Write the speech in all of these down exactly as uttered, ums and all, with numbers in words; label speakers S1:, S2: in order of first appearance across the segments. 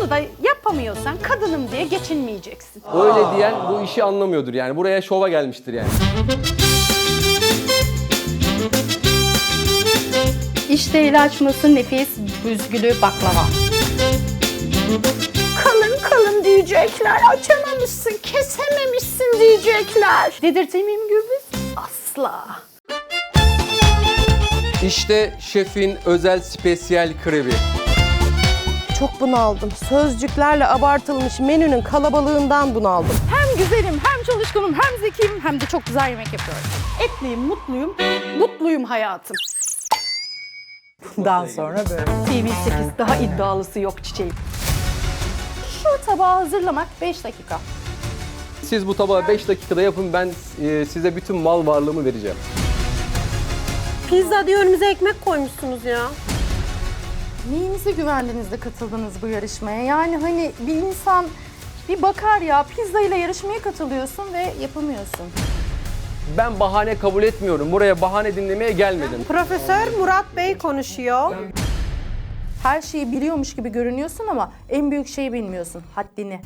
S1: da yapamıyorsan kadınım diye geçinmeyeceksin.
S2: Öyle diyen bu işi anlamıyordur yani. Buraya şova gelmiştir yani.
S1: İşte açması nefis büzgülü baklava. Kalın kalın diyecekler, açamamışsın, kesememişsin diyecekler. Dedirteyim miyim Gürbüz? Asla.
S2: İşte şefin özel spesiyel krebi.
S3: Çok bunaldım. Sözcüklerle abartılmış menünün kalabalığından bunaldım.
S1: Hem güzelim, hem çalışkanım, hem zekiyim, hem de çok güzel yemek yapıyorum. Etliyim, mutluyum, mutluyum hayatım.
S4: Bundan sonra böyle.
S1: T V sekiz daha iddialısı yok çiçeğim. Şu tabağı hazırlamak beş dakika.
S2: Siz bu tabağı beş dakikada yapın, ben e, size bütün mal varlığımı vereceğim.
S3: Pizza diye önümüze ekmek koymuşsunuz ya.
S5: Neyinize güvendiniz de katıldınız bu yarışmaya? Yani hani bir insan bir bakar ya, pizza ile yarışmaya katılıyorsun ve yapamıyorsun.
S2: Ben bahane kabul etmiyorum. Buraya bahane dinlemeye gelmedim.
S3: Profesör Murat Bey konuşuyor.
S5: Her şeyi biliyormuş gibi görünüyorsun ama en büyük şeyi bilmiyorsun, haddini.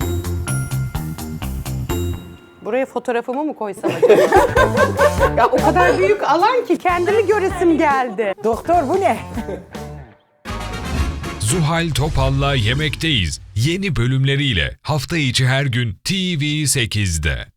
S3: Buraya fotoğrafımı mı koysam acaba? Ya o kadar büyük alan ki kendimi göresim geldi.
S4: Doktor bu ne?
S6: Zuhal Topal'la Yemekteyiz yeni bölümleriyle hafta içi her gün T V sekizde.